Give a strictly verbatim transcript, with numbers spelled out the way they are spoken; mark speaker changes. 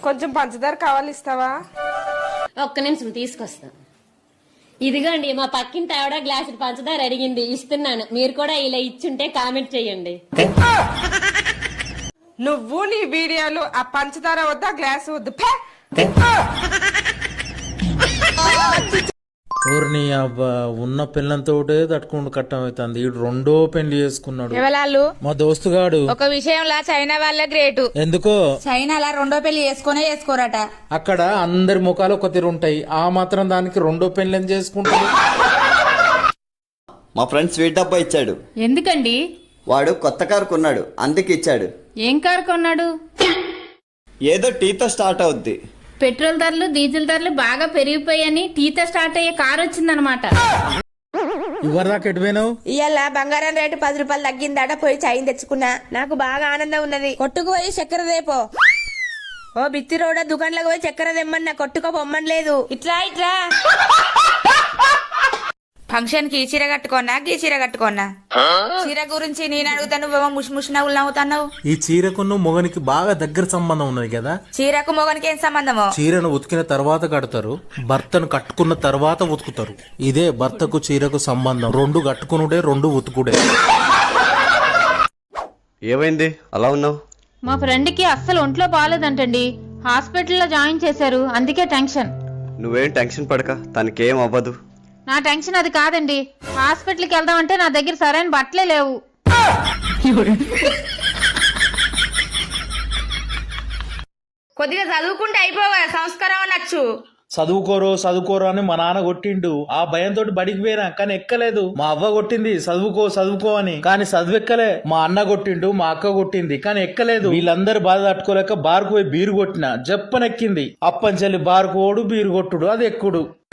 Speaker 1: కొంచెం పంచదార కావాలి, ఇస్తావా?
Speaker 2: ఒక్క నిమిషం తీసుకొస్తా. ఇదిగోండి మా పక్కింటి ఆవిడ గ్లాసు పంచదార అడిగింది, ఇస్తున్నాను. మీరు కూడా ఇలా ఇచ్చుంటే కామెంట్ చేయండి.
Speaker 1: నువ్వు నీ వీడియోలు ఆ పంచదార వద్దా గ్లాసు వద్దు.
Speaker 3: ఊరిని అబ్బా ఉన్న పిల్లలతోటే తట్టుకుంటూ కట్టం అవుతుంది. ఈడు రెండో పెళ్లి చేసుకున్నాడు.
Speaker 4: ఎవలాళ్ళు?
Speaker 3: మా దోస్తుగాడు.
Speaker 4: ఒక విషయంలో చైనా వాళ్ళ గ్రేటు.
Speaker 3: ఎందుకో
Speaker 4: చైనాలా రెండో పెళ్లి చేసుకునే చేసుకోరట.
Speaker 3: అక్కడ అందరి ముఖాలు ఒక తీరు ఉంటాయి, ఆ మాత్రం దానికి రెండో పెళ్లి ఏం చేసుకుంటాడు?
Speaker 5: మా ఫ్రెండ్ స్వీట్ డబ్బా ఇచ్చాడు.
Speaker 4: ఎందుకండి?
Speaker 5: వాడు కొత్త కారు కొన్నాడు, అందుకు ఇచ్చాడు.
Speaker 4: ఏం కారు కొన్నాడు?
Speaker 5: ఏదో టీతో స్టార్ట్ అవుద్ది.
Speaker 4: పెట్రోల్ ధరలు డీజిల్ ధరలు బాగా పెరిగిపోయాయని టీతో స్టార్ట్ అయ్యే కారు వచ్చిందనమాట.
Speaker 3: ఇవరి దాకా ఎటుపోయినావు?
Speaker 6: ఇవాళ బంగారం రేటు పది రూపాయలు తగ్గిందట, పోయి చైన్ తెచ్చుకున్నా. నాకు బాగా ఆనందం ఉన్నది. కొట్టుకు పోయి చక్కెర దేపో. ఓ బిత్తి రోడ దుకాణంలోకి పోయి చక్కెర తెమ్మన్నా, కొట్టుకో పొమ్మని లేదు. ఇట్లా ఇట్లా
Speaker 4: ఫంక్షన్ కి చీర కట్టుకోనా గీ చీర కట్టుకోనా? చీర గురించి నేను అడుగుతా, నువ్వేమో ముష్ ముష్ నవ్వులు నవ్వుతావు.
Speaker 3: ఈ చీరకును మొగనికి బాగా దగ్గర సంబంధం ఉన్నది కదా.
Speaker 4: చీరకు మొగనికి ఏం సంబంధము?
Speaker 3: చీరను ఉతికిన తర్వాత కడతారు, భర్తను కట్టుకున్న తర్వాత ఉతుకుతారు. ఇదే భర్తకు చీరకు సంబంధం. రెండు కట్టుకునుడే, రెండు ఉతుకుడే.
Speaker 5: ఏమైంది అలా ఉన్నావు?
Speaker 7: మా ఫ్రెండ్ కి అస్సలు ఒంట్లో బాగాలేదంటండి, హాస్పిటల్లో జాయిన్ చేశారు, అందుకే టెన్షన్.
Speaker 5: నువ్వేం టెన్షన్ పడక, తనకేం అవ్వదు.
Speaker 7: నా టెన్షన్ అది కాదండి, హాస్పిటల్కి వెళ్దామంటే నా దగ్గర సరైన బట్టలే లేవు.
Speaker 4: కొద్దిగా చదువుకుంటే అయిపోగా, సంస్కారం అనొచ్చు.
Speaker 3: చదువుకోరో చదువుకోరో అని మా నాన్న కొట్టిండు. ఆ భయంతో బడికి పోయినా, కానీ ఎక్కలేదు. మా అవ్వ కొట్టింది చదువుకో చదువుకో అని, కానీ చదువెక్కలే. మా అన్న కొట్టిండు, మా అక్క కొట్టింది, కానీ ఎక్కలేదు. వీళ్ళందరూ బాధ తట్టుకోలేక బారుకు పోయి బీరు కొట్టిన, జప్పనెక్కింది. అప్పంచెల్లి బారుకోడు, బీరు కొట్టుడు, అది ఎక్కుడు.